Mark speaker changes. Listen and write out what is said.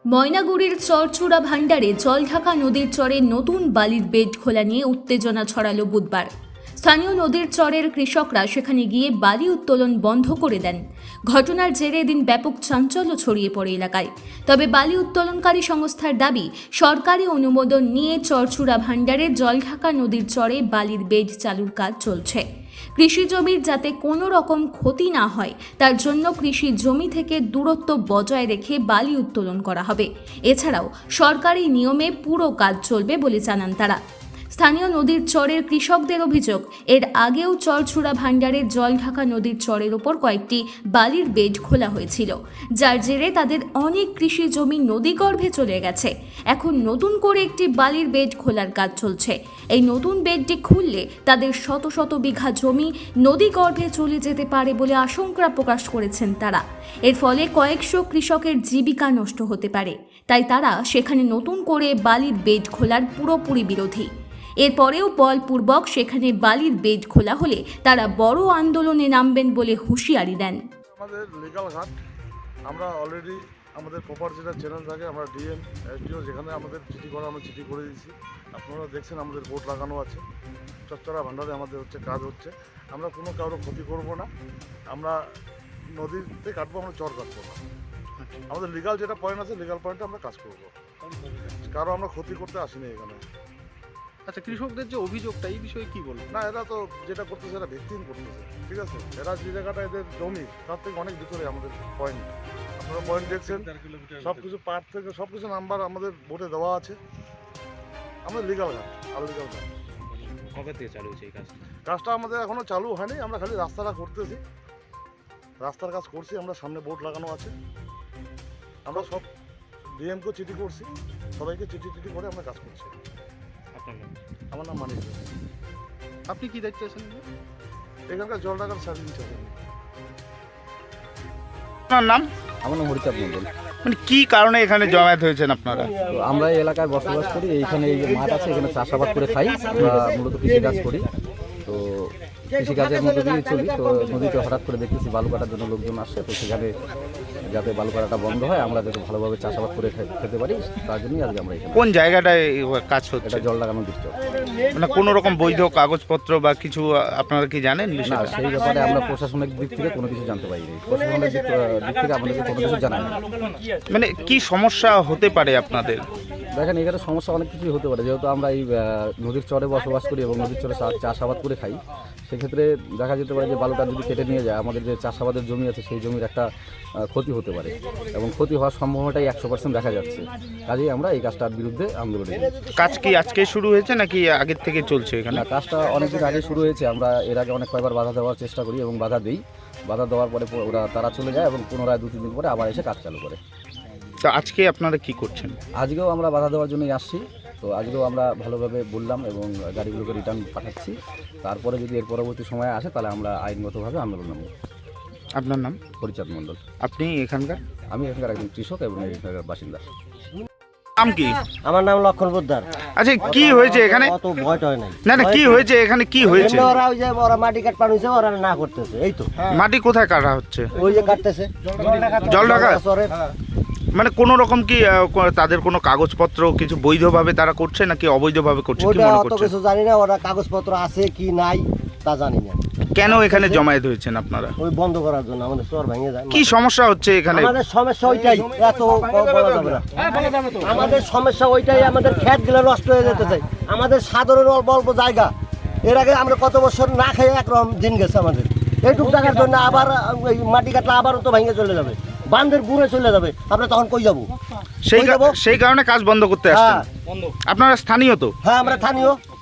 Speaker 1: ময়নাগুড়ির চরচূড়া ভান্ডারে জলঢাকা নদীর চরে নতুন বালির বেড খোলা নিয়ে উত্তেজনা ছড়ালো বুধবার। স্থানীয় নদীর চরের কৃষকরা সেখানে গিয়ে বালি উত্তোলন বন্ধ করে দেন। ঘটনার জেরে এদিন ব্যাপক চাঞ্চল্য ছড়িয়ে পড়ে এলাকায়। তবে বালি উত্তোলনকারী সংস্থার দাবি, সরকারি অনুমোদন নিয়ে চরচূড়া ভান্ডারে জলঢাকা নদীর চরে বালির বেড চালুর কাজ চলছে। কৃষি জমির যাতে কোনো রকম ক্ষতি না হয় তার জন্য কৃষি জমি থেকে দূরত্ব বজায় রেখে বালি উত্তোলন করা হবে। এছাড়াও সরকারি নিয়মে পুরো কাজ চলবে বলে জানান তারা। স্থানীয় নদীর চরের কৃষকদের অভিযোগ, এর আগেও চরচূড়া ভান্ডারের জলঢাকা নদীর চরের ওপর কয়েকটি বালির বেড খোলা হয়েছিল, যার জেরে তাদের অনেক কৃষি জমি নদীগর্ভে চলে গেছে। এখন নতুন করে একটি বালির বেড খোলার কাজ চলছে। এই নতুন বেডটি খুললে তাদের শত শত বিঘা জমি নদীগর্ভে চলে যেতে পারে বলে আশঙ্কা প্রকাশ করেছেন তারা। এর ফলে কয়েকশো কৃষকের জীবিকা নষ্ট হতে পারে, তাই তারা সেখানে নতুন করে বালির বেড খোলার পুরোপুরি বিরোধী। এরপরেও বলপূর্বক সেখানে বালির বেড খোলা হলে তারা বড় আন্দোলনে নামবেন বলে হুঁশিয়ারি দেন।
Speaker 2: আমাদের লিগাল ঘাট আমরা অলরেডি আমাদের প্রপার যেটা চ্যানেল থাকে, আমরা ডিএম এসডিও যেখানে আমাদের চিঠি করা, আমরা চিঠি করে দিয়েছি। আপনারা দেখছেন আমাদের বোর্ড লাগানো আছে। চরচূড়া ভান্ডারে আমাদের কাজ হচ্ছে। আমরা কোনো কারো ক্ষতি করব না, আমরা নদীতে কাটবো, আমরা চর কাটবো না। আমাদের লিগাল যেটা পয়েন্ট আছে, লিগাল পয়েন্টে আমরা কাজ করব। কারো আমরা ক্ষতি করতে আসিনি এখানে।
Speaker 3: আচ্ছা, কৃষকদের যে অভিযোগটা, এই বিষয়ে কি বলবো?
Speaker 2: না, এরা তো যেটা করতেছে এরা ভিত্তিহীন করতেছে, ঠিক আছে। এরা যে জায়গাটা এদের জমি তার থেকে অনেক ভিতরে আমাদের পয়েন্ট। আপনারা পয়েন্ট দেখছেন, সব কিছু পার্ট থেকে সব কিছু নাম্বার আমাদের বোর্ডে দেওয়া আছে। আমাদের লিগাল ঘাট আর লিগাল ঘাট।
Speaker 3: কবে থেকে চালু হয়েছে এই কাজটা?
Speaker 2: কাজটা আমাদের এখনো চালু হয়নি, আমরা খালি রাস্তাটা করতেছি, রাস্তার কাজ করছি। আমরা সামনে বোর্ড লাগানো আছে। আমরা সব ডিএমকেও চিঠি করছি, সবাইকে চিঠি করে আমরা কাজ করছি।
Speaker 3: আপনার নাম?
Speaker 2: আমার নাম মানিক।
Speaker 3: আপনি কি দায়িত্বে আছেন?
Speaker 2: এখানকার জলঢাকার সার্ভিস আছে।
Speaker 3: আপনার নাম?
Speaker 4: আমার নাম হরিচাঁদ মন্ডল।
Speaker 3: মানে কি কারণে এখানে জমায়েত হয়েছেন আপনারা?
Speaker 4: তো আমরা এই এলাকায় বসবাস করি, এইখানে এই যে মাঠ আছে, এখানে চাষাবাদ করে খাই। আমরা মূলত কৃষিকাজ করি, তো কৃষিকাজের মধ্যে দিয়ে চলি। তো নদীতে হঠাৎ করে দেখতেছি বালু কাটার জন্য লোকজন আসছে, তো সেখানে যাতে বালু কাটাটা বন্ধ হয়, আমরা যাতে ভালোভাবে চাষাবাদ করে খেতে পারি, তার জন্যই আজকে আমরা এখানে।
Speaker 3: কোন জায়গাটায় কাজ হচ্ছে?
Speaker 4: এটা জল লাগানো দৃশ্য।
Speaker 3: মানে কোনো রকম বৈধ কাগজপত্র বা কিছু আপনারা কি জানেন?
Speaker 4: না, সেই ব্যাপারে আমরা প্রশাসনিক দিক থেকে কোনো কিছু জানতে পারিনি। প্রশাসনিক দিক থেকে আমাদেরকে কোনো কিছু জানায় না।
Speaker 3: মানে কি সমস্যা হতে পারে আপনাদের?
Speaker 4: দেখেন, এখানে সমস্যা অনেক কিছুই হতে পারে। যেহেতু আমরা এই নদীর চরে বসবাস করি এবং নদীর চরে চাষাবাদ করে খাই, সেক্ষেত্রে দেখা যেতে পারে যে বালুটা যদি কেটে নিয়ে যায়, আমাদের যে চাষাবাদের জমি আছে সেই জমির একটা ক্ষতি হতে পারে, এবং ক্ষতি হওয়ার সম্ভাবনাটাই 100% দেখা যাচ্ছে। কাজেই আমরা এই কাজটার বিরুদ্ধে আন্দোলন করছি।
Speaker 3: কাজ কি আজকে শুরু হয়েছে নাকি আগের থেকে চলছে এখানে?
Speaker 4: না, কাজটা অনেকদিন আগে শুরু হয়েছে। আমরা এর আগে অনেক কয়েকবার বাধা দেওয়ার চেষ্টা করি এবং বাধা দিই। বাধা দেওয়ার পরে তারা চলে যায় এবং পুনরায় 2-3 দিন পরে আবার এসে কাজ চালু করে।
Speaker 3: তো আজকে আপনারা কি করছেন?
Speaker 4: আজকেও আমরা বাধা দেওয়ার জন্যই আসছি। তো আজকেও আমরা ভালোভাবে বললাম এবং গাড়িগুলোকে রিটার্ন পাঠাচ্ছি। তারপরে যদি এর পরবর্তী সময় আসে তাহলে আমরা আইনগতভাবে আন্দোলন নামব।
Speaker 3: আপনার নাম?
Speaker 4: হরিচাঁদ মন্ডল।
Speaker 3: আপনি এখানকার?
Speaker 4: আমি এখানকার একজন কৃষক এবং এখানকার বাসিন্দা।
Speaker 3: নাম কি?
Speaker 5: আমার নাম লক্ষণ পোদ্দার।
Speaker 3: আচ্ছা, কি হয়েছে এখানে?
Speaker 5: অত ভয় টয় নাই।
Speaker 3: না, কি হয়েছে এখানে? কি হয়েছে?
Speaker 5: ওরা ওই যে ওরা মাটি কাট পানিছে, ওরা না করতেছে। এই তো
Speaker 3: মাটি কোথায় কাটা হচ্ছে?
Speaker 5: ওই যে কাটতেছে
Speaker 3: জলঢাকা।
Speaker 5: চরে।
Speaker 3: মানে কোন রকম কি তাদের কোনো কাগজপত্র কিছু বৈধভাবে তারা করছে নাকি অবৈধভাবে করছে, কি
Speaker 5: ওটা
Speaker 3: মনে
Speaker 5: অত
Speaker 3: করছে?
Speaker 5: কিছু জানি না, ওরা কাগজপত্র আছে কি নাই তা জানি না।
Speaker 3: কেন এখানে জমায়েত হয়েছেন আপনারা?
Speaker 5: ওই বন্ধ করার জন্য আমাদের চর ভেঙে যায়।
Speaker 3: কি সমস্যা হচ্ছে এখানে?
Speaker 5: আমাদের সমস্যা ওইটাই, এত বলা যাবে না। আমাদের সমস্যা ওইটাই, আমাদের ক্ষেতগুলো নষ্ট হয়ে যেতে চাই। আমাদের সাধারণ অল্প অল্প জায়গা, এর আগে আমরা কত বছর না খেয়ে একরকম দিন গেছে আমাদের। এইটুকু জায়গার জন্য আবার ওই মাটি কাটলে আবারও তো ভেঙে চলে যাবে, বান্ধের গুঁড়ে চলে যাবে। আমরা তখন কই যাবো?
Speaker 3: সেই কারণে কাজ বন্ধ করতে আসছেন
Speaker 5: হ্যাঁ।
Speaker 3: আপনারা? স্থানীয় তো?
Speaker 5: হ্যাঁ, আমরা স্থানীয়।